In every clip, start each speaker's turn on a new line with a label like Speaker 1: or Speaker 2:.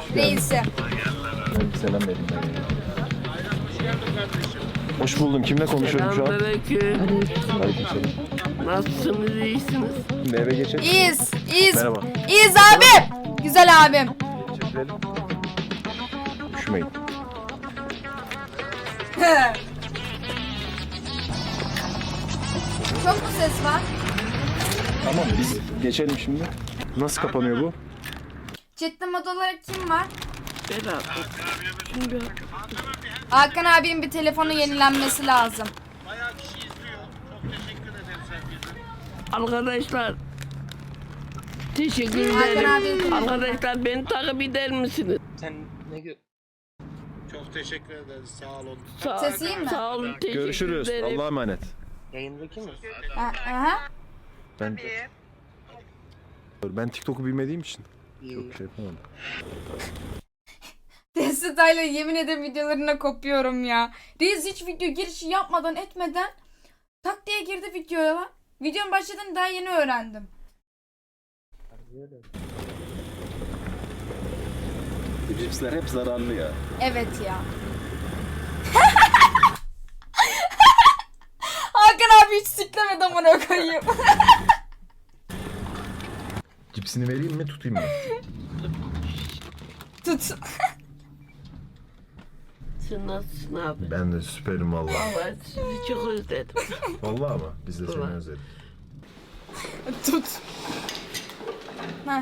Speaker 1: reisi.
Speaker 2: Ben bir selam vereyim ben. Hoş buldum. Kimle konuşuyorum şu an?
Speaker 3: Selamünaleyküm.
Speaker 2: Aleykümselam.
Speaker 3: Nasılsınız, iyisiniz?
Speaker 2: Şimdi eve geçelim.
Speaker 1: İyiyiz. İyiyiz.
Speaker 2: Merhaba.
Speaker 1: İyiyiz abim. Güzel abim.
Speaker 2: Çekilelim. Üşümeyin.
Speaker 1: Çok mu ses var?
Speaker 2: Tamam biz geçelim şimdi. Nasıl kapanıyor bu?
Speaker 1: Chatte mod olarak kim var?
Speaker 3: Beraber. Şimdi
Speaker 1: Hakan abinin bir telefonu yenilenmesi lazım.
Speaker 4: Bayağı kişi izliyor. Çok teşekkür ederiz herkese.
Speaker 3: arkadaşlar. Teşekkür
Speaker 1: Hakan
Speaker 3: ederim.
Speaker 1: abi.
Speaker 3: Arkadaşlar beni takip eder misiniz?
Speaker 4: Sen ne Çok teşekkür ederiz. Sağ olun.
Speaker 1: Ses iyi mi?
Speaker 3: Sağ olun, teşekkür
Speaker 2: Görüşürüz.
Speaker 3: ederim.
Speaker 2: Allah'a emanet.
Speaker 4: Yayındaki mi?
Speaker 1: Aha.
Speaker 2: Ben TikTok'u bilmediğim için çok şey yapamadım.
Speaker 1: Destetayla yemin ederim videolarına kopuyorum ya. Reis hiç video girişi yapmadan etmeden tak diye girdi videoya lan. Videonun başladığını daha yeni öğrendim.
Speaker 2: Bu cipsler hep zararlı ya.
Speaker 1: Evet ya. Hakan abi hiç siklemedi amına koyayım.
Speaker 2: Cipsini vereyim mi tutayım mı?
Speaker 1: Tut.
Speaker 3: Sen nasılsın abi?
Speaker 2: Ben de süperim vallahi.
Speaker 3: Vallahi sizi çok özledim.
Speaker 2: Vallahi ama biz de seni
Speaker 3: Vallahi.
Speaker 2: özledik.
Speaker 1: Tut. Heh.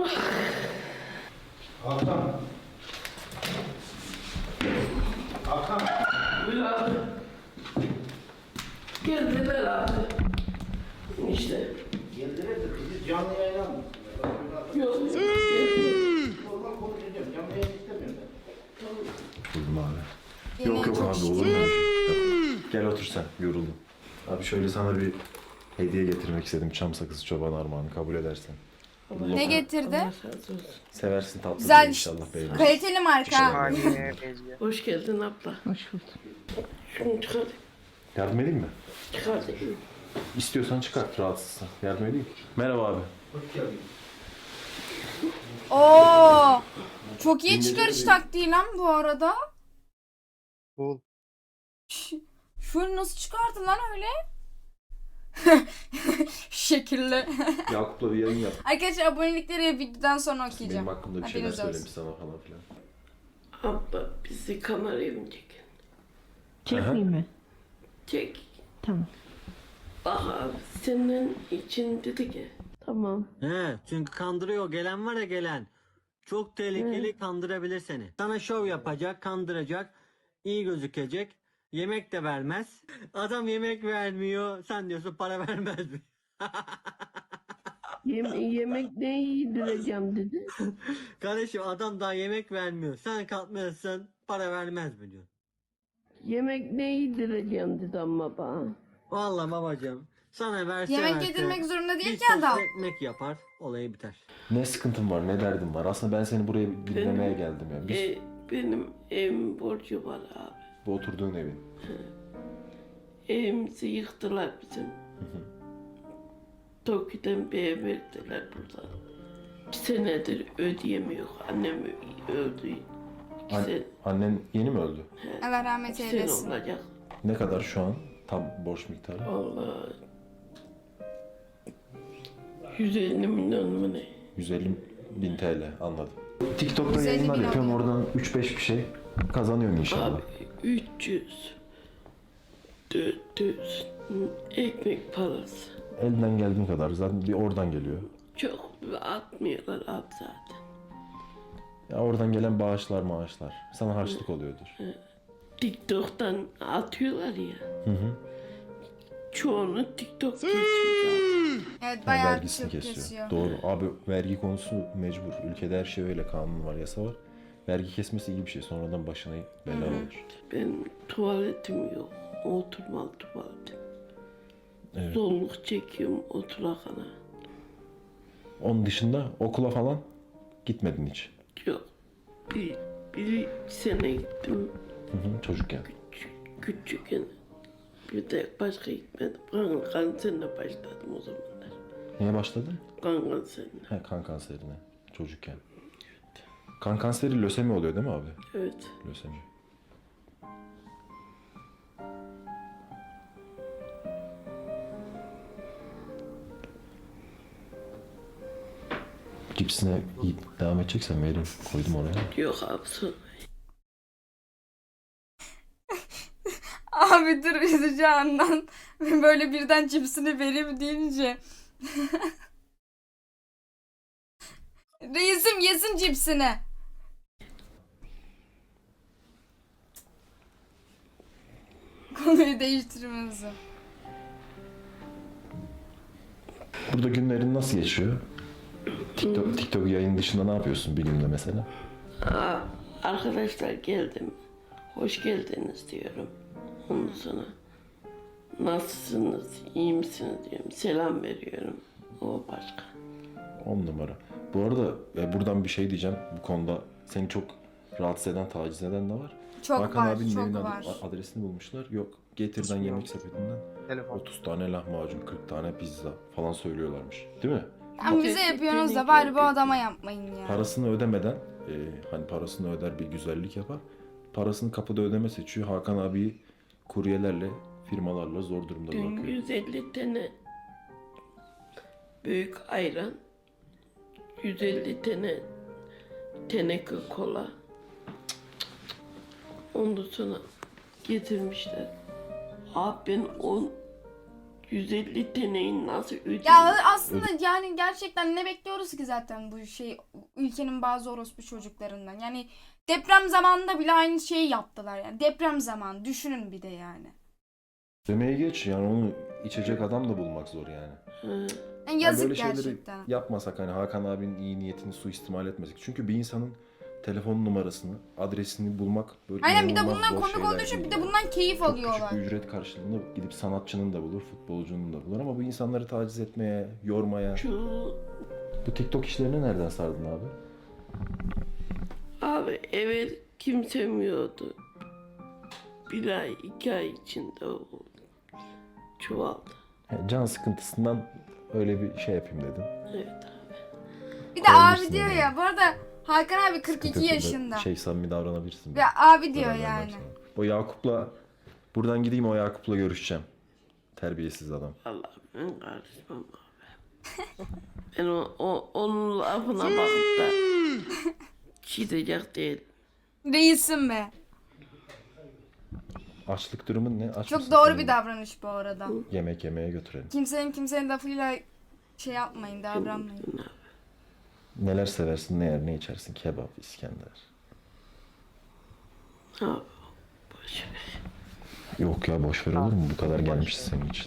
Speaker 3: Geldiler abi. İşte.
Speaker 4: Geldiler de bizi canlı yayına mı?
Speaker 3: Yok.
Speaker 4: Normal konuşacağım. Canlı yayın istemiyorum ben.
Speaker 2: Buldum abi.
Speaker 1: Yine
Speaker 2: Yok yok
Speaker 1: çok
Speaker 2: abi
Speaker 1: şükür.
Speaker 2: olur mu? Yok. Gel otur sen yoruldum. Abi şöyle sana bir hediye getirmek istedim. Çam sakızı çoban armağanı kabul edersen.
Speaker 1: Ne getirdi?
Speaker 3: Allah razı olsun.
Speaker 2: Seversin tatlı
Speaker 1: Güzel.
Speaker 2: inşallah beğenirsin.
Speaker 1: Kaliteli marka.
Speaker 3: Hoş geldin abla. Hoş bulduk. Şunu çıkar.
Speaker 2: Yardım edeyim mi?
Speaker 3: Çıkar.
Speaker 2: İstiyorsan çıkart rahatsızsan. Yardım edeyim. Merhaba abi.
Speaker 1: Oo. Çok iyi çıkarış taktiği lan bu arada.
Speaker 4: Bul.
Speaker 1: Şunu nasıl çıkardı lan öyle? Şekilli.
Speaker 2: Yakup'la bir yayın yap.
Speaker 1: Arkadaşlar abonelikleri videodan sonra okuyacağım.
Speaker 2: Benim hakkımda bir şeyler
Speaker 1: Haberiniz olsun.
Speaker 2: söylemiş sana falan filan.
Speaker 3: Abla bizi kameraya mı çekin?
Speaker 5: Çekmeyeyim mi?
Speaker 3: Çek.
Speaker 5: Tamam.
Speaker 3: Bak abi senin için dedi ki. Tamam.
Speaker 6: He, çünkü kandırıyor. Gelen var ya gelen. Çok tehlikeli, kandırabilir seni. Sana şov yapacak, kandıracak, iyi gözükecek. Yemek de vermez. Adam yemek vermiyor. Sen diyorsun para vermez mi?
Speaker 3: Yemek ne yedireceğim dedi.
Speaker 6: Kardeşim adam daha yemek vermiyor. Sen kalkmıyorsun, para vermez mi diyor.
Speaker 3: Yemek ne yedireceğim dedi ama bana.
Speaker 6: Vallahi babacığım. Sana verse
Speaker 1: Yemek
Speaker 6: verse,
Speaker 1: yedirmek zorunda değil
Speaker 6: bir
Speaker 1: ki
Speaker 6: sos
Speaker 1: adam.
Speaker 6: ekmek yapar, olayı biter.
Speaker 2: Ne sıkıntın var, ne derdin var? Aslında ben seni buraya dinlemeye geldim ya. Biz
Speaker 3: Benim evim borcu var abi.
Speaker 2: bu oturduğun evin.
Speaker 3: Evimizi yıktılar bizim. Toki'den bir ev verdiler burada. 2 senedir ödeyemiyor. Annem öldü. 2
Speaker 2: An-
Speaker 3: sene,
Speaker 2: annen yeni mi öldü?
Speaker 1: Allah rahmet
Speaker 3: 2 sene
Speaker 1: eylesin.
Speaker 3: olacak.
Speaker 2: Ne kadar şu an tam borç miktarı?
Speaker 3: Allah. 150 milyon mu ne?
Speaker 2: 150 bin TL anladım. TikTok'ta
Speaker 1: 150
Speaker 2: yayınlar
Speaker 1: bin
Speaker 2: yapıyorsun
Speaker 1: alıyor.
Speaker 2: oradan 3-5 bir şey kazanıyorsun inşallah.
Speaker 3: Abi 300 400 ekmek parası.
Speaker 2: Elinden geldiğin kadar zaten bir oradan geliyor.
Speaker 3: Çok atmıyorlar abi zaten.
Speaker 2: Ya oradan gelen bağışlar maaşlar sana harçlık oluyordur.
Speaker 3: TikTok'tan atıyorlar ya.
Speaker 2: Hı.
Speaker 3: Çoğunu TikTok kesiyor zaten.
Speaker 1: Evet
Speaker 2: Yani
Speaker 1: bayağı
Speaker 2: vergisini
Speaker 1: çok
Speaker 2: kesiyor.
Speaker 1: kesiyor.
Speaker 2: Doğru. Abi vergi konusu mecbur. Ülkede her şey öyle. Kanun var, yasa var. Vergi kesmesi iyi bir şey. Sonradan başına bela olur.
Speaker 3: Benim tuvaletim yok. Oturmalı tuvaletim.
Speaker 2: Evet.
Speaker 3: Zorluk çekiyorum oturakana.
Speaker 2: Onun dışında okula falan gitmedin hiç.
Speaker 3: Yok. Bir sene gittim
Speaker 2: Çocukken.
Speaker 3: küçükken. Bir de başka gitmedim. Kan kanserine başladım o zamanlar.
Speaker 2: Neye başladın?
Speaker 3: Kan kanserine.
Speaker 2: He, kan kanserine. Çocukken. Kan kanseri lösemi oluyor değil mi abi?
Speaker 3: Evet.
Speaker 2: Lösemi. Cipsine devam edeceksen vereyim. Koydum oraya.
Speaker 3: Yok abi sonra.
Speaker 1: Abi dur üzücü andan böyle birden cipsini vereyim deyince. Reisim yesin cipsini. Konuyu değiştirmemizi.
Speaker 2: Burada günlerin nasıl geçiyor? TikTok yayın dışında ne yapıyorsun bir günde mesela?
Speaker 3: Aa, arkadaşlar geldim. Hoş geldiniz diyorum. Ondan sonra nasılsınız, iyi misiniz diyorum. Selam veriyorum. O başka.
Speaker 2: 10 numara. Bu arada buradan bir şey diyeceğim. Bu konuda seni çok rahatsız eden, taciz eden de var.
Speaker 1: Çok
Speaker 2: Hakan
Speaker 1: var,
Speaker 2: abinin
Speaker 1: çok
Speaker 2: evinin
Speaker 1: var.
Speaker 2: adresini bulmuşlar. Yok, Getir'den yemek sepetinden
Speaker 7: Telefon.
Speaker 2: 30 tane lahmacun, 40 tane pizza falan söylüyorlarmış. Değil mi?
Speaker 1: Ama bize yapıyorsunuz da bari bu adama yapmayın ya.
Speaker 2: Parasını ödemeden, hani parasını öder bir güzellik yapar. Parasını kapıda ödeme seçiyor. Hakan abiyi kuryelerle, firmalarla zor durumda
Speaker 3: Dün
Speaker 2: bırakıyor.
Speaker 3: 150 tane büyük ayran, 150 tane teneke kola. Ondan sonra getirmişler. Abi ben 150 taneyi nasıl ödeyeyim?
Speaker 1: Ya aslında yani gerçekten ne bekliyoruz ki zaten bu şey ülkenin bazı orospu çocuklarından. Yani deprem zamanında bile aynı şeyi yaptılar yani. Deprem zamanı düşünün bir de yani.
Speaker 2: Demeyi geç, yani onu içecek adam da bulmak zor yani.
Speaker 3: Hı.
Speaker 1: Yani yazık
Speaker 2: böyle şeyleri
Speaker 1: gerçekten.
Speaker 2: yapmasak, hani Hakan abinin iyi niyetini suistimal etmesek. Çünkü bir insanın telefon numarasını, adresini bulmak böyle
Speaker 1: Aynen, bir de
Speaker 2: inanılmaz
Speaker 1: bundan
Speaker 2: zor
Speaker 1: komik
Speaker 2: şeyler
Speaker 1: olduğu için
Speaker 2: değil
Speaker 1: bir de
Speaker 2: yani.
Speaker 1: bundan keyif
Speaker 2: Çok
Speaker 1: alıyorlar.
Speaker 2: küçük bir ücret karşılığında gidip sanatçının da bulur, futbolcunun da bulur ama bu insanları taciz etmeye, yormaya.
Speaker 3: Şu
Speaker 2: Bu TikTok işlerini nereden sardın abi?
Speaker 3: abi evvel kimsemiyordu. Bir ay, 2 ay içinde oldu. Çoğaldı.
Speaker 2: Can sıkıntısından öyle bir şey yapayım dedim.
Speaker 3: Evet abi.
Speaker 1: Bir de
Speaker 2: Koymuşsun
Speaker 1: abi diyor
Speaker 2: yani.
Speaker 1: ya bu arada Hakan abi 42
Speaker 2: Sıkıntısında
Speaker 1: yaşında.
Speaker 2: samimi davranabilirsin.
Speaker 1: Ve abi diyor
Speaker 2: Zarar vermem
Speaker 1: yani.
Speaker 2: sana. O Yakup'la buradan gideyim, o Yakup'la görüşeceğim. Terbiyesiz adam.
Speaker 3: Allah ben karışmam abi. Ben onun lafına bakıp da çiğdecek değil.
Speaker 1: Reisim be.
Speaker 2: Açlık durumun ne? Aç
Speaker 1: Çok
Speaker 2: mısın
Speaker 1: doğru
Speaker 2: senin?
Speaker 1: bir davranış bu arada.
Speaker 2: Yemek yemeye götürelim.
Speaker 1: Kimsenin lafıyla şey yapmayın, davranmayın.
Speaker 2: Neler seversin, ne yer, ne içersin? Kebap, İskender.
Speaker 3: Abi boş ver.
Speaker 2: Yok ya, boş ver, olur mu? Bu kadar gelmişiz senin için.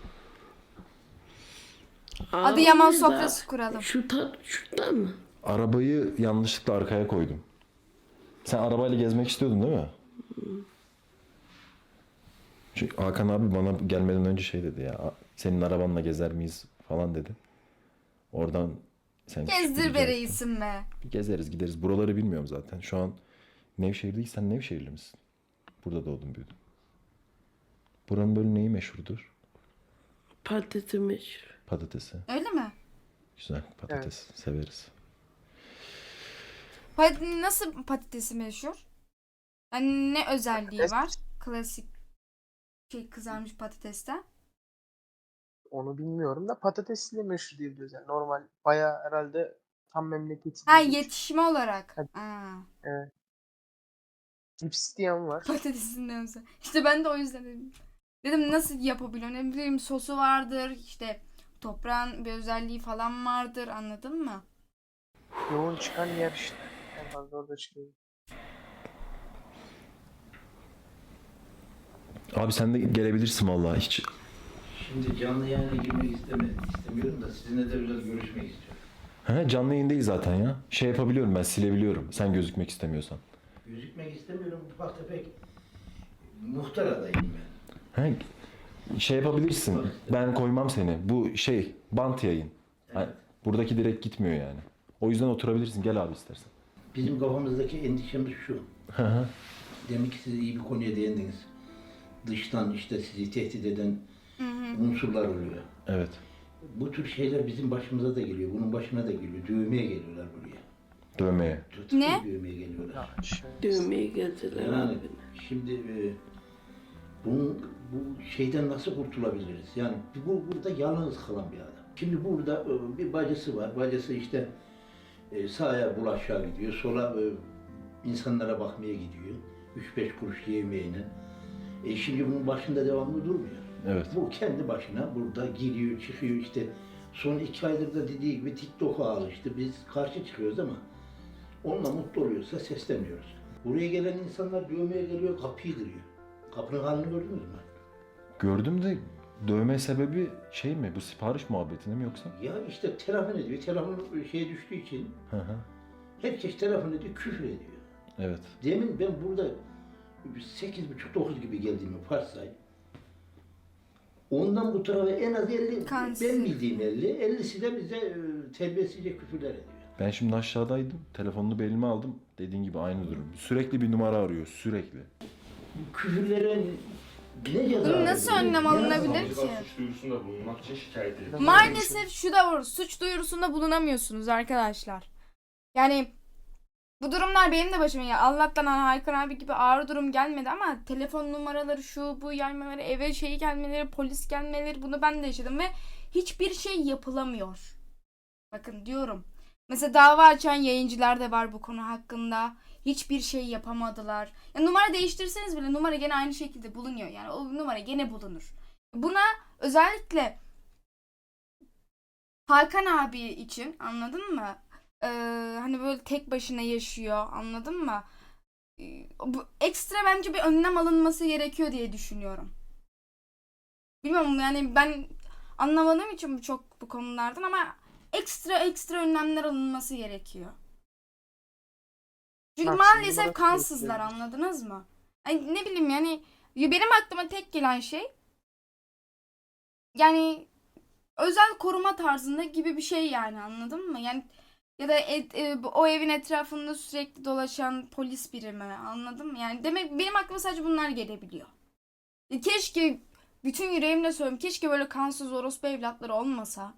Speaker 1: Adıyaman
Speaker 3: Abi
Speaker 1: sofrası
Speaker 3: da
Speaker 1: kuralım.
Speaker 3: şurada mı?
Speaker 2: Arabayı yanlışlıkla arkaya koydum. Sen arabayla gezmek istiyordun değil mi? Çünkü Hakan abi bana gelmeden önce şey dedi ya. Senin arabanla gezer miyiz falan dedi. Oradan sen
Speaker 1: Gezdir be reisim be.
Speaker 2: Bir gezeriz, gideriz. Buraları bilmiyorum zaten. Şu an Nevşehir'deyiz. Sen Nevşehirli misin? Burada doğdun, büyüdün. Buranın böyle neyi meşhurdur?
Speaker 3: Patatesi meşhur.
Speaker 2: Patatesi.
Speaker 1: Öyle mi?
Speaker 2: Güzel patates. Severiz.
Speaker 1: Nasıl patatesi meşhur? Yani ne özelliği
Speaker 7: Patates.
Speaker 1: var? Klasik şey kızarmış patatesten.
Speaker 7: Onu bilmiyorum da patatesli meşhur diyebiliriz. Yani normal bayağı herhalde tam memleketi.
Speaker 1: Ha,
Speaker 7: değil.
Speaker 1: yetişme olarak.
Speaker 7: Evet.
Speaker 1: Aa,
Speaker 7: Evet. Cips diyen var.
Speaker 1: patatesin ne özel. İşte ben de o yüzden dedim. Dedim nasıl yapabiliyor? Ne bileyim sosu vardır. İşte toprağın bir özelliği falan vardır. Anladın mı?
Speaker 7: Yoğun çıkan yer işte. En fazla orada çıkıyor.
Speaker 2: Abi sen de gelebilirsin vallahi hiç.
Speaker 8: Şimdi canlı yayına girmek istemiyorum da sizinle de biraz görüşmek istiyorum.
Speaker 2: He, canlı yayın değil zaten ya. Şey yapabiliyorum, ben silebiliyorum. Sen gözükmek istemiyorsan.
Speaker 8: Gözükmek istemiyorum, ufak tefek muhtar adayım ben.
Speaker 2: He, şey yapabilirsin. Ben koymam seni. Bu şey bant yayın. Hani buradaki direkt gitmiyor yani. O yüzden oturabilirsin. Gel abi istersen.
Speaker 8: Bizim kafamızdaki endişemiz şu.
Speaker 2: Hı hı.
Speaker 8: Demek ki siz iyi bir konuya değindiniz. Dıştan işte sizi tehdit eden unsurlar oluyor.
Speaker 2: Evet.
Speaker 8: Bu tür şeyler bizim başımıza da geliyor, bunun başına da geliyor. Dövmeye geliyorlar buraya.
Speaker 2: Dövmeye.
Speaker 1: Ne?
Speaker 8: Dövmeye geliyorlar.
Speaker 7: Ya şey,
Speaker 3: Dövmeye geldiler
Speaker 8: Yani
Speaker 3: abi.
Speaker 8: şimdi bu şeyden nasıl kurtulabiliriz? Yani burada yalnız kalan bir adam. Şimdi burada bir bacısı var. Bacısı işte sağa bulaşığa gidiyor, sola insanlara bakmaya gidiyor. 3-5 kuruş yemeğine. Şimdi bunun başında devamlı durmuyor.
Speaker 2: Evet.
Speaker 8: Bu kendi başına burada giriyor, çıkıyor işte. Son 2 aydır da dediği gibi TikTok'a alıştı. Biz karşı çıkıyoruz ama onunla mutlu oluyorsa sesleniyoruz. Buraya gelen insanlar dövmeye geliyor, kapıyı kırıyor. Kapının halini gördünüz mü?
Speaker 2: Gördüm de dövme sebebi şey mi? Bu sipariş muhabbetine mi yoksa?
Speaker 8: Ya işte telefon ediyor. Telefon şeye düştüğü için
Speaker 2: Hı hı.
Speaker 8: herkes telefon ediyor, küfür ediyor.
Speaker 2: Evet.
Speaker 8: Demin ben burada 8.30-9 gibi geldiğimi varsay. Ondan bu tarafa en az 50,
Speaker 1: Kansız.
Speaker 8: ben bildiğim 50, 50'si de bize terbiyesizce küfürler ediyor.
Speaker 2: Ben şimdi aşağıdaydım. Telefonunu belime aldım. Dediğin gibi aynı durum. Sürekli bir numara arıyor. Sürekli.
Speaker 8: Bu küfürlere ne ceza
Speaker 1: Bunun nasıl
Speaker 8: veriyor?
Speaker 1: önlem
Speaker 8: Ne
Speaker 1: alınabilir
Speaker 8: yapalım?
Speaker 1: ki?
Speaker 9: Suç duyurusunda bulunmak için şikayet edilir.
Speaker 1: Maalesef şu da var. Suç duyurusunda bulunamıyorsunuz arkadaşlar. Yani bu durumlar benim de başıma ya. Allah'tan Hakan abi gibi ağır durum gelmedi ama telefon numaraları şu bu yaymaları, eve şey gelmeleri, polis gelmeleri bunu ben de yaşadım ve hiçbir şey yapılamıyor. Bakın diyorum. Mesela dava açan yayıncılar da var bu konu hakkında. Hiçbir şey yapamadılar. Ya numara değiştirseniz bile numara gene aynı şekilde bulunuyor. Yani o numara gene bulunur. Buna özellikle Hakan abi için anladın mı? Hani böyle tek başına yaşıyor anladın mı? Bu ekstra bence bir önlem alınması gerekiyor diye düşünüyorum. Bilmiyorum yani ben anlamadığım için bu konulardan ama ekstra önlemler alınması gerekiyor. Çünkü
Speaker 7: Maksimum
Speaker 1: maalesef
Speaker 7: olarak
Speaker 1: kansızlar
Speaker 7: bekliyoruz.
Speaker 1: anladınız mı? Ay, ne bileyim yani benim aklıma tek gelen şey yani özel koruma tarzında gibi bir şey yani anladın mı? Yani ya da o evin etrafında sürekli dolaşan polis birimi anladın mı? Yani demek benim aklıma sadece bunlar gelebiliyor. Keşke bütün yüreğimle söylüyorum. Keşke böyle kansız orospu evlatları olmasa.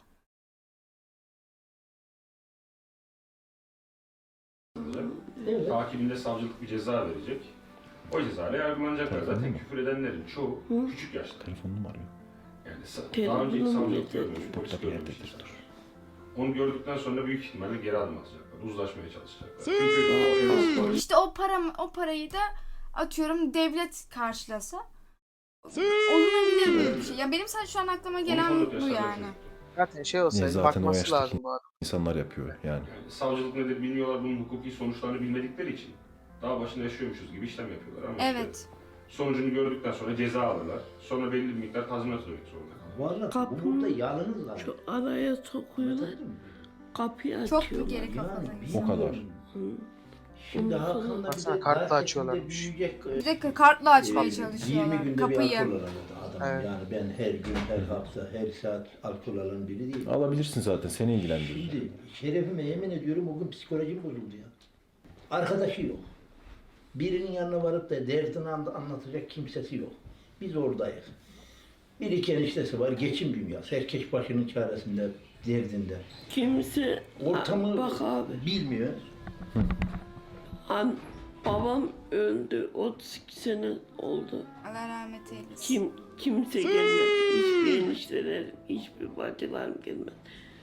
Speaker 8: Evet.
Speaker 9: Takibinde savcılık bir ceza verecek. O cezayla yargılanacaklar.
Speaker 2: Telefon
Speaker 9: Zaten
Speaker 2: mu?
Speaker 9: küfür edenlerin çoğu küçük yaşta.
Speaker 2: Telefonunu mu arıyor?
Speaker 9: Yani
Speaker 3: Telefonum
Speaker 9: daha önce hiç savcılık
Speaker 3: yeter.
Speaker 9: görmemiş, polis
Speaker 2: Burada bir
Speaker 9: görmemiş
Speaker 2: yerdedir.
Speaker 9: insanlar. Onu gördükten sonra büyük ihtimalle geri adım atacaklar. Uzlaşmaya çalışacaklar. Çünkü o
Speaker 1: İşte o parayı da atıyorum devlet karşılasa olunabilir böyle bir şey. Ya benim sadece şu an aklıma gelen bu yani.
Speaker 7: zaten şey olsaydı
Speaker 2: Zaten o
Speaker 7: bakması
Speaker 2: yaştaki-
Speaker 7: lazım bu adam.
Speaker 2: İnsanlar yapıyor yani.
Speaker 9: Yani savcılık nedir bilmiyorlar, bunun hukuki sonuçlarını bilmedikleri için daha başında yaşıyormuşuz gibi işlem yapıyorlar ama
Speaker 1: Evet.
Speaker 9: işte sonucunu gördükten sonra ceza alırlar. Sonra belli bir miktar tazminat ödemek zorunda kalırlar.
Speaker 8: Vallahi
Speaker 3: Kapı-
Speaker 8: bu burada yalnız var.
Speaker 3: Şu araya sokuyorlar,
Speaker 8: Anladın mı?
Speaker 3: kapıyı
Speaker 1: Çok
Speaker 3: açıyorlar.
Speaker 1: geri kafalı.
Speaker 2: O kadar.
Speaker 3: Hı.
Speaker 8: Şimdi
Speaker 3: Ondan sonra-
Speaker 8: Hakan'la bir
Speaker 7: Baksana
Speaker 8: de
Speaker 7: kartla
Speaker 8: daha
Speaker 7: açıyorlarmış.
Speaker 8: yakında büyüyecek,
Speaker 1: Bir de kartla açmaya
Speaker 8: 20
Speaker 1: çalışıyorlar
Speaker 8: günde bir
Speaker 1: kapıyı.
Speaker 8: alkol alan adam.
Speaker 7: Evet.
Speaker 8: Yani ben her gün, her hafta, her saat alkol alan biri değilim.
Speaker 2: Alabilirsin zaten. Seni ilgilendiriyor.
Speaker 8: Şimdi şerefime yemin ediyorum o gün psikolojim bozuldu ya. Arkadaşı yok. Birinin yanına varıp da derdini anlatacak kimsesi yok. Biz oradayız. Bir iki eniştesi var, geçim dünyası. Herkes başının çaresinde, derdinde.
Speaker 3: Kimse
Speaker 8: Ortamı
Speaker 3: bak abi,
Speaker 8: bilmiyor.
Speaker 3: babam öldü, 32 sene oldu.
Speaker 1: Allah rahmet eylesin.
Speaker 3: Kimse gelmedi. Hiçbir eniştelerim, hiçbir bacılarım gelmedi.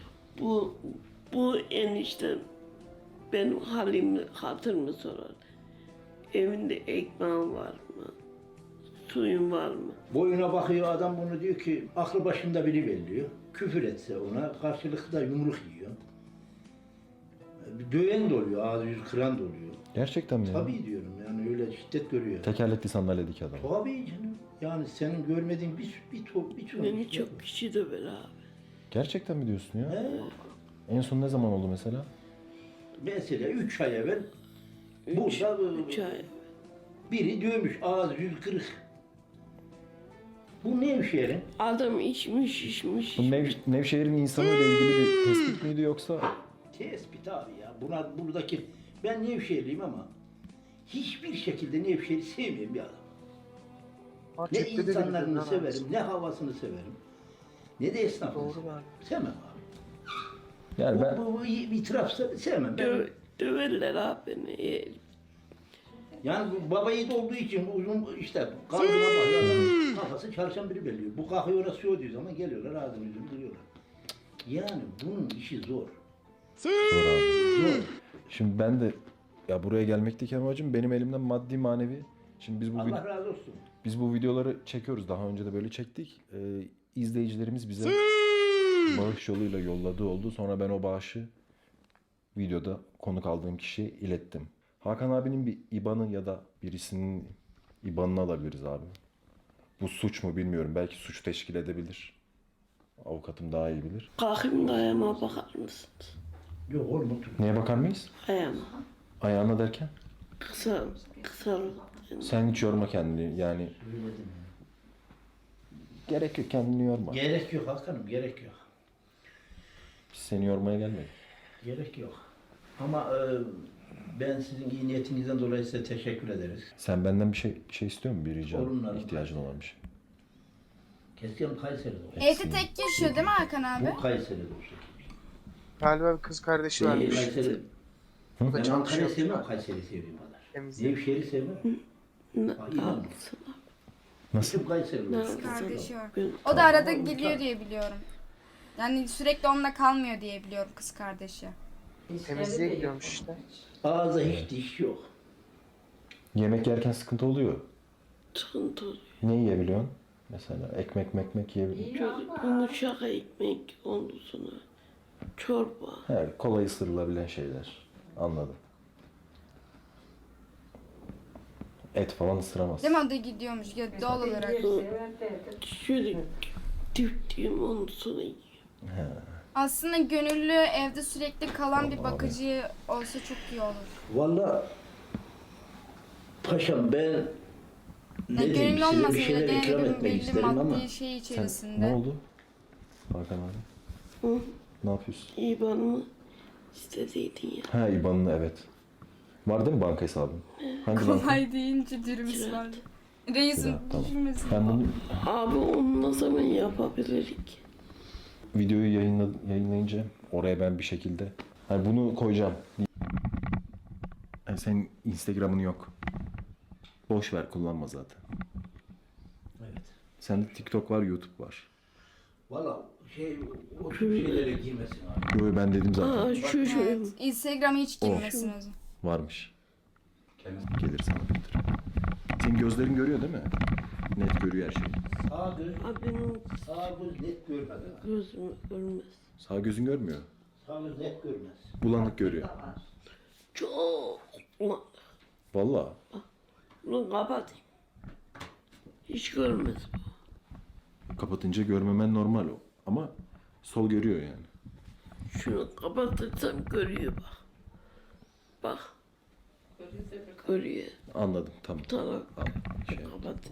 Speaker 3: Bu eniştem benim halimi, hatırımı sorar. Evinde ekmeğin var mı? Suyun var mı?
Speaker 8: Boyuna bakıyor adam, bunu diyor ki aklı başında biri belliyor. Küfür etse ona karşılıklı da yumruk yiyor. Döven de oluyor, ağzı yüzü kıran da oluyor.
Speaker 2: Gerçekten mi ya?
Speaker 8: Tabii diyorum yani öyle şiddet görüyor.
Speaker 2: Tekerlekli sandalyedeki adam.
Speaker 8: Tabii canım. Yani senin görmediğin bir
Speaker 3: Beni çok kişi de ver abi.
Speaker 2: Gerçekten mi diyorsun ya?
Speaker 8: He.
Speaker 2: En son ne zaman oldu mesela?
Speaker 8: Mesela 3 ay evvel burada
Speaker 3: 3 ay.
Speaker 8: biri dövmüş, ağzı yüzü kırık. Bu Nevşehir'in
Speaker 3: Adam içmiş.
Speaker 2: Bu Nevşehir'in insanıyla ilgili bir tespit miydi yoksa?
Speaker 8: tespit abi ya. Buradaki ben Nevşehirliyim ama hiçbir şekilde Nevşehir'i sevmeyen bir adam. Ne
Speaker 7: Gerçekten de
Speaker 8: insanlarını
Speaker 7: bilmiyorum,
Speaker 8: severim, ne havasını severim, ne de esnafını
Speaker 7: Doğru
Speaker 8: severim.
Speaker 7: abi.
Speaker 8: Sevmem abi.
Speaker 2: Yani ben
Speaker 8: Bu itiraf sevmem. Ben
Speaker 3: Döverler abi beni.
Speaker 8: Yani bu baba yiğit olduğu için uzun işte kalbine bakıyor. Kafası çalışan biri belliyor. Bu kalkıyor orası şu diyor zaman geliyorlar ağzını yüzünü duruyorlar. Yani bunun işi zor.
Speaker 2: Zor abi.
Speaker 8: Zor.
Speaker 2: Şimdi ben de ya buraya gelmekteki amacım benim elimden maddi manevi. Şimdi
Speaker 8: Allah razı olsun.
Speaker 2: biz bu videoları çekiyoruz. Daha önce de böyle çektik. İzleyicilerimiz bize bağış yoluyla yolladığı oldu. Sonra ben o bağışı videoda konuk aldığım kişiye ilettim. Hakan abinin bir IBAN'ı ya da birisinin IBAN'ını alabiliriz abi. Bu suç mu bilmiyorum. Belki suç teşkil edebilir. Avukatım daha iyi bilir.
Speaker 3: Kalkayım da ayağıma bakar mısınız?
Speaker 8: Yok oğlum otur.
Speaker 2: Neye bakar mıyız?
Speaker 3: Ayağıma.
Speaker 2: Ayağına derken?
Speaker 3: Kısa.
Speaker 2: Sen hiç yorma kendini. Yani
Speaker 8: Söyledim.
Speaker 2: gerek yok, kendini yorma.
Speaker 8: Gerek yok Hakan'ım gerek yok.
Speaker 2: Biz seni yormaya gelmedik.
Speaker 8: Gerek yok. Ama ben sizin iyi niyetinizden dolayı size teşekkür ederiz.
Speaker 2: Sen benden bir şey istiyor musun? Bir rica,
Speaker 8: Sorunlarım
Speaker 2: ihtiyacın olan bir şey.
Speaker 8: Keşke Kayseri'de olsa.
Speaker 1: Evde tek yaşıyor değil mi Hakan abi?
Speaker 8: Bu Kayseri'de olsa.
Speaker 7: Galiba bir kız kardeşi varmış.
Speaker 8: Kayseri.
Speaker 7: O da
Speaker 8: Ben Antalya'yı
Speaker 7: çalışıyor.
Speaker 8: sevmem, Kayseri'yi sevdiğim kadar.
Speaker 7: Temizliği.
Speaker 8: Nevşehir'i sevmem. İnan.
Speaker 2: Nasıl?
Speaker 8: Bütün Kayseri'de olsa.
Speaker 1: Kardeşi var. O da arada geliyor diye biliyorum. Yani sürekli onunla kalmıyor diye biliyorum kız kardeşi.
Speaker 7: Temizliğe gidiyormuş işte.
Speaker 8: Ağza hiç diş yok.
Speaker 2: Yemek yerken sıkıntı oluyor.
Speaker 3: Sıkıntı oluyor.
Speaker 2: Ne yiyebiliyorsun? Mesela ekmek yiyebiliyor.
Speaker 3: Çok yumuşak ekmek ondan sonra çorba.
Speaker 2: He, kolay ısırılabilen şeyler. Anladım. Et falan ısıramaz.
Speaker 1: Değil mi? O da gidiyormuş ya, doğal olarak.
Speaker 3: Şöyle diptiğim ondan sonra yiyor.
Speaker 1: Aslında gönüllü evde sürekli kalan bir bakıcı olsa çok iyi olur.
Speaker 8: Vallahi paşam ben ne
Speaker 1: Yani
Speaker 8: diyeyim
Speaker 1: gönüllü
Speaker 8: size
Speaker 1: olmasa
Speaker 8: bir şeyler
Speaker 1: bile
Speaker 8: ikram
Speaker 1: yani
Speaker 8: etmek
Speaker 1: belli
Speaker 8: isterim ama
Speaker 1: maddi şey
Speaker 2: Sen
Speaker 1: içerisinde.
Speaker 2: ne oldu? Hakan abi.
Speaker 3: Hı?
Speaker 2: Ne yapıyorsun?
Speaker 3: İban'ımı istediydin ya.
Speaker 2: Ha IBAN'ını evet. Var değil mi banka hesabın? Hangi banka?
Speaker 1: Kolay deyince dürümüz var. Reisin
Speaker 2: Güzel, tamam.
Speaker 1: düşünmesin.
Speaker 2: Ben bunu
Speaker 3: Abi onu ne zaman yapabilirik?
Speaker 2: videoyu yayınlayınca oraya ben bir şekilde hani bunu koyacağım. Yani senin Instagram'ın yok. Boş ver, kullanma zaten.
Speaker 8: evet.
Speaker 2: Sende TikTok var, YouTube var.
Speaker 8: Vallahi o tür şeylere girmesin abi.
Speaker 2: Yo ben dedim zaten.
Speaker 3: Aa şu
Speaker 1: Evet, Instagram'a hiç
Speaker 2: O.
Speaker 1: girmesin o zaman.
Speaker 2: Varmış.
Speaker 9: Kendisi
Speaker 2: Gelir sana bildirim. Senin gözlerin görüyor değil mi? Net görüyor her şeyi.
Speaker 8: Sağ göz,
Speaker 3: Abi benim
Speaker 8: sağ göz net görmez. ha.
Speaker 3: gözüm görmez.
Speaker 2: Sağ gözün görmüyor.
Speaker 8: Sağ göz net görmez.
Speaker 2: Bulanık görüyor.
Speaker 3: Çok ulan.
Speaker 2: Vallahi.
Speaker 3: Bunu kapatayım. Hiç görmez.
Speaker 2: Kapatınca görmemen normal o. Ama sol görüyor yani.
Speaker 3: Şunu kapatırsam görüyor bak. Bak. Görüyor.
Speaker 2: Anladım, tamam.
Speaker 3: Tamam.
Speaker 2: Al, şey yap.
Speaker 3: Kapatın.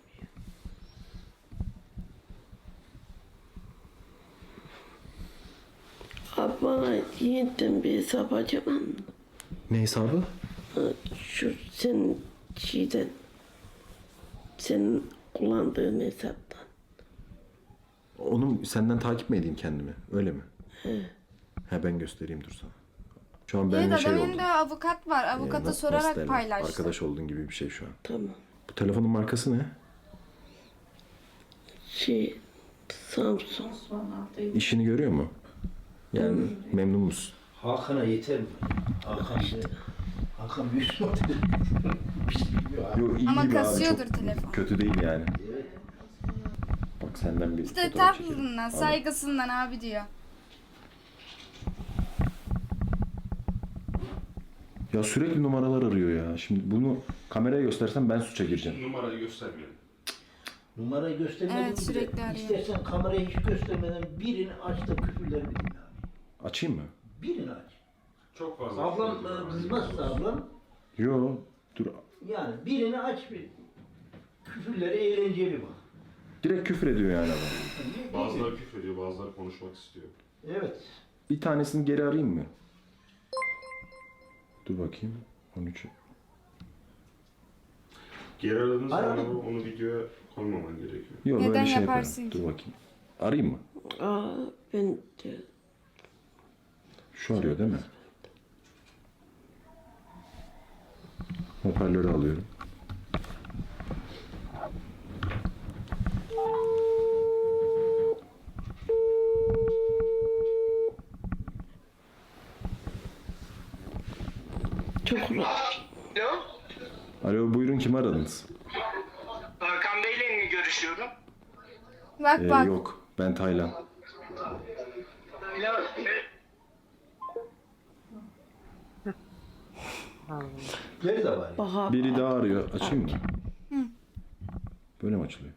Speaker 3: Abi bana yeniden bir hesap açamam mı?
Speaker 2: Ne hesabı?
Speaker 3: Şu senin şeyden, senin kullandığın hesaptan.
Speaker 2: Onu senden takip mi edeyim kendimi? Öyle mi? He ben göstereyim dur sana. Şu an benimle
Speaker 1: Evet,
Speaker 2: şey
Speaker 1: adamın
Speaker 2: oldu.
Speaker 1: da avukat var. Avukata
Speaker 2: Nasıl
Speaker 1: sorarak
Speaker 2: derler?
Speaker 1: paylaştı.
Speaker 2: Arkadaş olduğun gibi bir şey şu an.
Speaker 3: Tamam.
Speaker 2: Bu telefonun markası ne?
Speaker 3: Samsung.
Speaker 2: İşini görüyor mu? Yani memnun musun?
Speaker 8: Hakan'a yeter mi? Hakan büyük model. Bir şey bilmiyor abi.
Speaker 2: Yo, iyi
Speaker 1: Ama
Speaker 2: gibi abi,
Speaker 1: kasıyordur
Speaker 2: çok
Speaker 1: telefon.
Speaker 2: kötü değil yani. Bak senden bir
Speaker 1: İşte
Speaker 2: fotoğraf çekelim.
Speaker 1: tatlılığından,
Speaker 2: Al.
Speaker 1: saygısından abi diyor.
Speaker 2: Ya sürekli numaralar arıyor ya. Şimdi bunu kameraya göstersem ben suça gireceğim.
Speaker 9: numarayı göstermeyelim.
Speaker 8: Numarayı göstermeden
Speaker 1: Evet, sürekli arıyor.
Speaker 8: İstersen kamerayı hiç göstermeden birini aç da küfürleri bilin abi.
Speaker 2: Açayım mı?
Speaker 8: Birini aç.
Speaker 9: Çok fazla.
Speaker 8: Ablam kızmazsa ablam
Speaker 2: Yo dur.
Speaker 8: yani birini aç bir küfürleri eğlenceli bak.
Speaker 2: Direkt küfür ediyor yani adam.
Speaker 9: Bazıları küfür ediyor, bazıları konuşmak istiyor.
Speaker 8: Evet.
Speaker 2: Bir tanesini geri arayayım mı? Dur bakayım. 13.
Speaker 9: Geri aradığınız zaman
Speaker 8: Aradım.
Speaker 9: onu videoya koymaman gerekiyor.
Speaker 2: Yok
Speaker 1: Neden
Speaker 2: böyle şey
Speaker 1: yaparsın
Speaker 2: yaparım.
Speaker 1: ki?
Speaker 2: Dur bakayım. Arayayım mı?
Speaker 3: Aa ben de
Speaker 2: Şu arıyor değil mi? Hoparlörü alıyorum.
Speaker 3: Çok rahat.
Speaker 4: Alo,
Speaker 2: Alo, buyurun, kimi aradınız?
Speaker 4: Hakan Bey'le mi görüşüyorum?
Speaker 1: Bak bak.
Speaker 2: Yok, ben Taylan.
Speaker 4: Alo,
Speaker 8: Geri de var.
Speaker 3: Bak
Speaker 2: Biri daha arıyor. Açayım mı? Böyle mi açılıyor?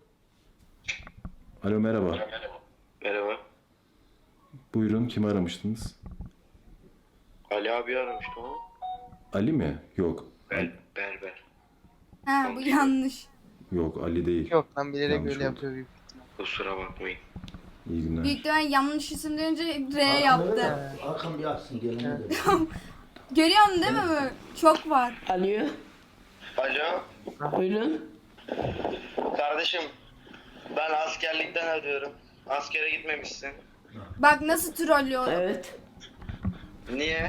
Speaker 2: Alo, merhaba.
Speaker 10: Merhaba.
Speaker 2: Buyurun, kimi aramıştınız?
Speaker 10: Ali abi aramıştım ama.
Speaker 2: Ali mi? Yok.
Speaker 10: Berber.
Speaker 1: Ha bu yanlış.
Speaker 2: Yok, Ali değil.
Speaker 7: Yok lan bilerek
Speaker 2: Yanlış
Speaker 7: öyle
Speaker 2: oldu.
Speaker 7: yapıyor büyük.
Speaker 10: Kusura bakmayın.
Speaker 2: İyi günler.
Speaker 1: Büyük ihtimal yanlış isim duyunca R yaptı.
Speaker 8: Hakan bir açsın gelene de.
Speaker 1: Görüyorsun değil mi? Böyle? Çok var.
Speaker 3: Alo.
Speaker 10: Alo.
Speaker 3: Buyurun.
Speaker 10: Kardeşim. Ben askerlikten arıyorum. Askere gitmemişsin.
Speaker 1: Bak nasıl trollüyor.
Speaker 3: Evet.
Speaker 10: Niye?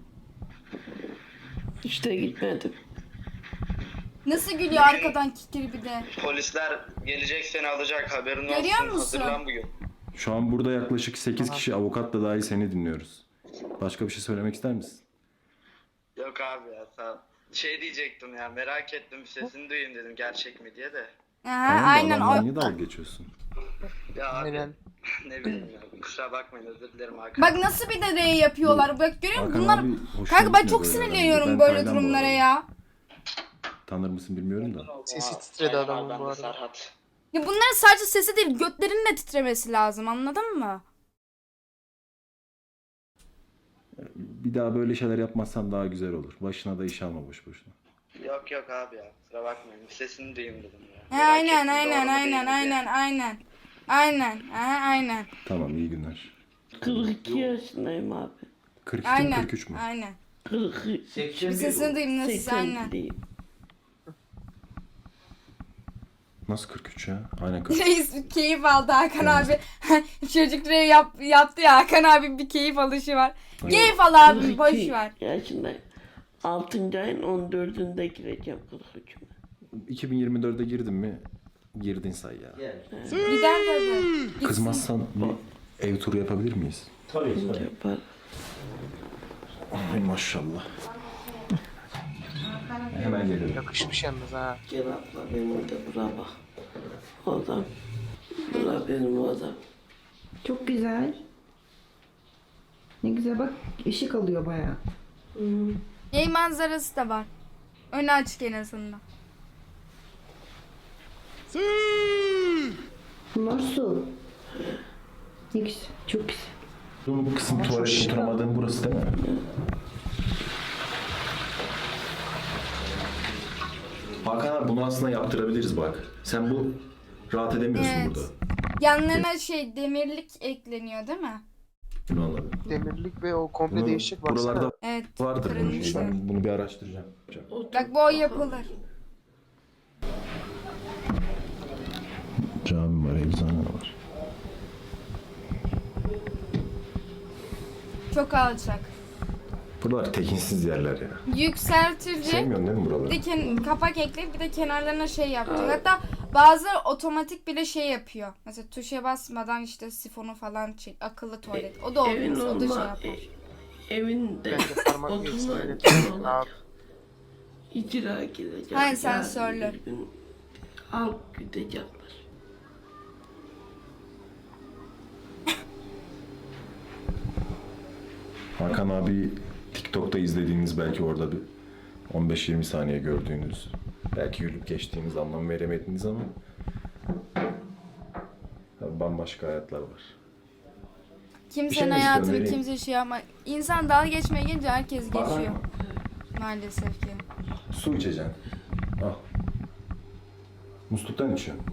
Speaker 3: İşte gitmedim.
Speaker 1: Nasıl gülüyor arkadan kikir bir de.
Speaker 10: Polisler gelecek seni alacak, haberin olsun.
Speaker 1: Görüyor musun?
Speaker 10: Hazırlan bugün.
Speaker 2: Şu an burada yaklaşık 8 kişi, avukat da dahil, seni dinliyoruz. Başka bir şey söylemek ister misin?
Speaker 10: Yok abi ya, sağ ol. Şey diyecektim ya, merak ettim, sesini duyayım dedim gerçek mi diye de.
Speaker 1: Aha,
Speaker 2: Tamam da
Speaker 1: aynen
Speaker 2: adamla
Speaker 1: o.
Speaker 2: niye dalga geçiyorsun?
Speaker 10: Ya abi
Speaker 7: Aynen.
Speaker 10: ne bileyim ya, kusura bakmayın, özür dilerim Hakan.
Speaker 1: Bak nasıl bir de R yapıyorlar. Bak görüyor musun?
Speaker 2: Hakan
Speaker 1: Bunlar...
Speaker 2: abi hoşuna
Speaker 1: Kanka ben
Speaker 2: gitmiyor
Speaker 1: çok
Speaker 2: böyle
Speaker 1: sinirleniyorum
Speaker 2: herhalde.
Speaker 1: böyle
Speaker 2: Ben Taylan bu
Speaker 1: durumlara
Speaker 2: arada.
Speaker 1: ya.
Speaker 2: Tanır mısın bilmiyorum da.
Speaker 7: Sesi titredi adamın
Speaker 10: Ben
Speaker 7: bu
Speaker 10: de
Speaker 7: arada.
Speaker 10: Serhat.
Speaker 1: Ya bunların sadece sesi değil götlerinin de titremesi lazım, anladın mı?
Speaker 2: Bir daha böyle şeyler yapmazsan daha güzel olur. Başına da iş alma boş boşuna.
Speaker 10: Yok yok abi ya, kusura bakmayın, sesini duyayım dedim ya.
Speaker 1: He,
Speaker 10: Merak
Speaker 1: aynen
Speaker 10: ettim,
Speaker 1: aynen
Speaker 10: doğru mu değil mi
Speaker 1: aynen
Speaker 10: diye.
Speaker 1: aynen aynen. Aynen. Aha, aynen.
Speaker 2: Tamam, iyi günler.
Speaker 3: 42 yaşındayım abi.
Speaker 2: 42 mi
Speaker 1: Aynen.
Speaker 2: 43 mü?
Speaker 1: Aynen.
Speaker 3: 42.
Speaker 1: Bir
Speaker 8: 81
Speaker 1: sesini duyayım nasıl aynen.
Speaker 3: diyeyim.
Speaker 2: Nasıl 43 ya? Aynen 43.
Speaker 1: Reis keyif aldı Hakan abi. Çocuk yaptı ya, Hakan abi bir keyif alışı var. Keyif al abi, boş ver.
Speaker 3: Yaşındayım. 6. ayın 14'ünde gireceğim 43'üme.
Speaker 2: 2024'e girdin mi? Girdin say ya.
Speaker 8: Gel.
Speaker 1: Gider tabii. Gitsin.
Speaker 2: Kızmazsan bir ev turu yapabilir miyiz?
Speaker 8: Tabii tabii.
Speaker 3: Yapar.
Speaker 2: Ay maşallah. Hemen gelirim.
Speaker 7: Yakışmış yalnız ha.
Speaker 3: Gel abla benim de bura bak. Odam. Bura benim odam.
Speaker 5: Çok güzel. Ne güzel bak, ışık alıyor bayağı.
Speaker 1: Yay manzarası da var. Önü açık en azından.
Speaker 5: Bunlar su. Ne güzel, çok güzel.
Speaker 2: Bu kısım tuvalet oturamadığın burası değil mi? Hakan abi bunu aslında yaptırabiliriz bak. Sen bu rahat edemiyorsun
Speaker 1: Evet.
Speaker 2: burada.
Speaker 1: Yanlarına demirlik ekleniyor değil mi?
Speaker 2: Bunu anladım.
Speaker 7: Demirlik ve o komple
Speaker 2: Bunu
Speaker 7: değişik baksana.
Speaker 2: buralarda
Speaker 1: Evet.
Speaker 2: vardır bunun
Speaker 1: kırılmış
Speaker 2: şey.
Speaker 1: da.
Speaker 2: Ben bunu bir araştıracağım.
Speaker 1: Bak bu o yapılır.
Speaker 2: Cami var, eczane var.
Speaker 1: Çok alçak.
Speaker 2: Buralar tekinsiz yerler ya.
Speaker 1: Yükseltici.
Speaker 2: Sevmiyorsun değil mi buraları?
Speaker 1: Bir de kapak ekleyip bir de kenarlarına yapacak. Hatta bazıları otomatik bile yapıyor. Mesela tuşa basmadan sifonu falan çek. Akıllı tuvalet. O da
Speaker 3: Evin
Speaker 1: olmaz. O da
Speaker 3: normal.
Speaker 1: yapar.
Speaker 3: Evinde
Speaker 7: Bence parmak geçsin öyle.
Speaker 3: oturma
Speaker 7: Abi.
Speaker 3: icra girecek.
Speaker 1: Hayır,
Speaker 3: Yarın
Speaker 1: sensörlü.
Speaker 3: bir gün Al gidecekler.
Speaker 2: Hakan abi TikTok'ta izlediğiniz, belki orada bir 15-20 saniye gördüğünüz, belki gülüp geçtiğiniz, anlam veremediğiniz ama tabii bambaşka hayatlar var.
Speaker 1: Kimsenin
Speaker 2: Bir şey mi
Speaker 1: hayatını
Speaker 2: istiyorsun,
Speaker 1: kimse yapma. İnsan dalga geçmeye gelince herkes
Speaker 2: Bana
Speaker 1: geçiyor.
Speaker 2: mı?
Speaker 1: Maalesef ki.
Speaker 2: Su içeceksin. Al. Musluktan içiyorum.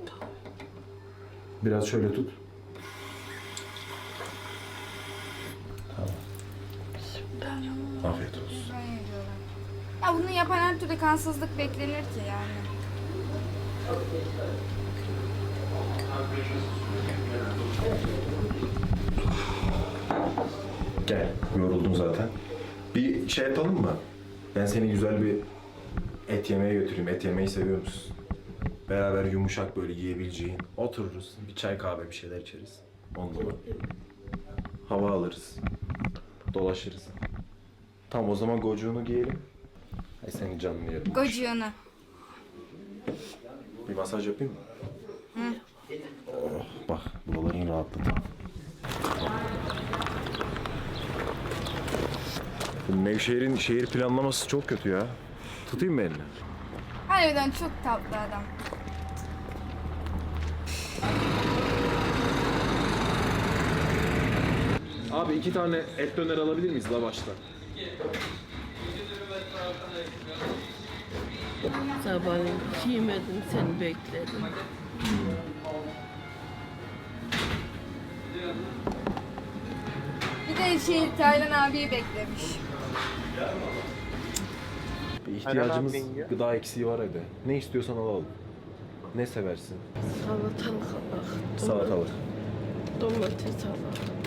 Speaker 2: Biraz şöyle tut. Tamam. Afiyet olsun.
Speaker 1: Öyle diyorlar. Ya bunu yapan her türlü kansızlık beklenir ki yani.
Speaker 2: Gel. Yoruldun zaten. Bir şey yapalım mı? Ben seni güzel bir et yemeye götüreyim. Et yemeyi seviyor musun? Beraber yumuşak böyle yiyebileceğin. Otururuz. Bir çay kahve bir şeyler içeriz. Ondan hava alırız. Dolaşırız. Tamam o zaman gocuğunu giyelim. Ay senin canını yerim.
Speaker 1: Gocuğunu.
Speaker 2: Bir masaj yapayım mı? Oh, bak buraların rahatladı. Bu Nevşehir'in şehir planlaması çok kötü ya. Tutayım mı elini?
Speaker 1: Harbiden çok tatlı adam.
Speaker 2: Abi 2 tane et döner alabilir miyiz lavaşta?
Speaker 3: Sabahleyin yemedim, seni bekledim.
Speaker 1: Bir de Taylan abiyi beklemiş.
Speaker 2: Bir ihtiyacımız,
Speaker 7: Aynen abi,
Speaker 2: gıda eksiği var evde. Ne istiyorsan alalım. Ne seversin?
Speaker 3: Salatalık bak.
Speaker 2: Salatalık.
Speaker 3: Domates al.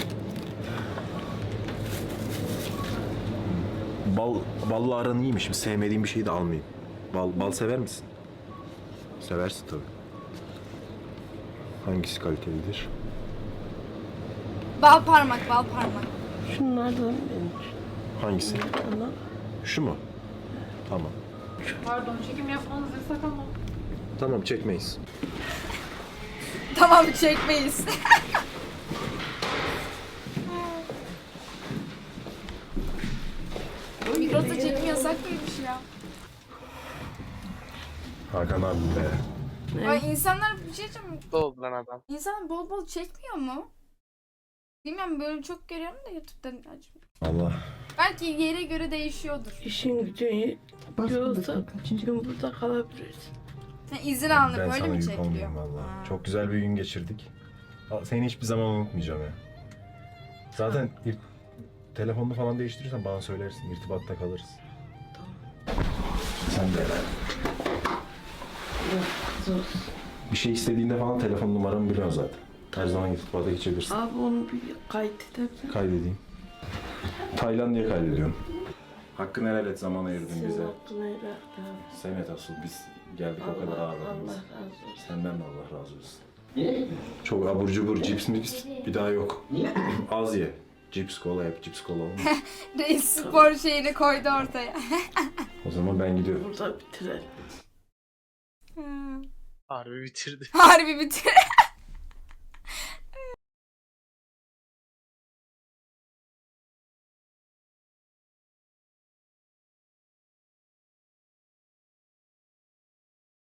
Speaker 2: Balla aran iyiymiş. Sevmediğim bir şeyi de almayayım. Bal sever misin? Seversin tabii. Hangisi kalitelidir?
Speaker 1: Bal parmak, bal parmak.
Speaker 3: Şunlardan benim.
Speaker 2: Hangisi?
Speaker 3: Ana.
Speaker 2: Şu mu? Tamam.
Speaker 11: Pardon, çekim yapmanız yasak ama.
Speaker 2: Tamam çekmeyiz.
Speaker 1: Tamam çekmeyiz. Migros'ta çekim yasak mıymış ya?
Speaker 2: Hakan abi be.
Speaker 1: Ay insanlar bir şey diyeceğim.
Speaker 7: Mutlu oldu lan adam.
Speaker 1: İnsan bol bol çekmiyor mu? Bilmiyorum böyle çok görüyorum da YouTube'dan acaba.
Speaker 2: Allah.
Speaker 1: Belki yere göre değişiyordur.
Speaker 3: İşin gücün
Speaker 5: Bas
Speaker 3: yoksa
Speaker 5: bakalım.
Speaker 3: bir gün burada kalabilirsin.
Speaker 1: Sen izin alınıp
Speaker 2: Ben
Speaker 1: böyle
Speaker 2: sana
Speaker 1: mi
Speaker 2: yük
Speaker 1: çekiliyor?
Speaker 2: olmayayım valla.
Speaker 1: Ha.
Speaker 2: Çok güzel bir gün geçirdik. Seni hiçbir zaman unutmayacağım ya. Zaten telefonunu falan değiştirirsen bana söylersin. İrtibatta kalırız. Sen de
Speaker 3: Zor.
Speaker 2: bir şey istediğinde falan telefon numaramı biliyorsun zaten. Her zaman irtibata geçebilirsin.
Speaker 3: Abi onu bir kaydedebilir.
Speaker 2: Kaydedeyim. Tayland diye kaydediyorum. Hakkını helal et, zaman ayırdın
Speaker 3: Senin
Speaker 2: bize.
Speaker 3: hakkını helal et abi.
Speaker 2: Senet asıl biz geldik o kadar
Speaker 3: Allah
Speaker 2: ağırladınız.
Speaker 3: razı olsun.
Speaker 2: Senden de Allah razı olsun. Çok abur cubur, cips mips bir daha yok. Az ye. Cips kola yap, cips kola olmaz.
Speaker 1: Reis spor şeyini koydu ortaya.
Speaker 2: O zaman ben gidiyorum.
Speaker 3: Burada bitirelim.
Speaker 7: Harbi bitirdi.
Speaker 1: Harbi bitir.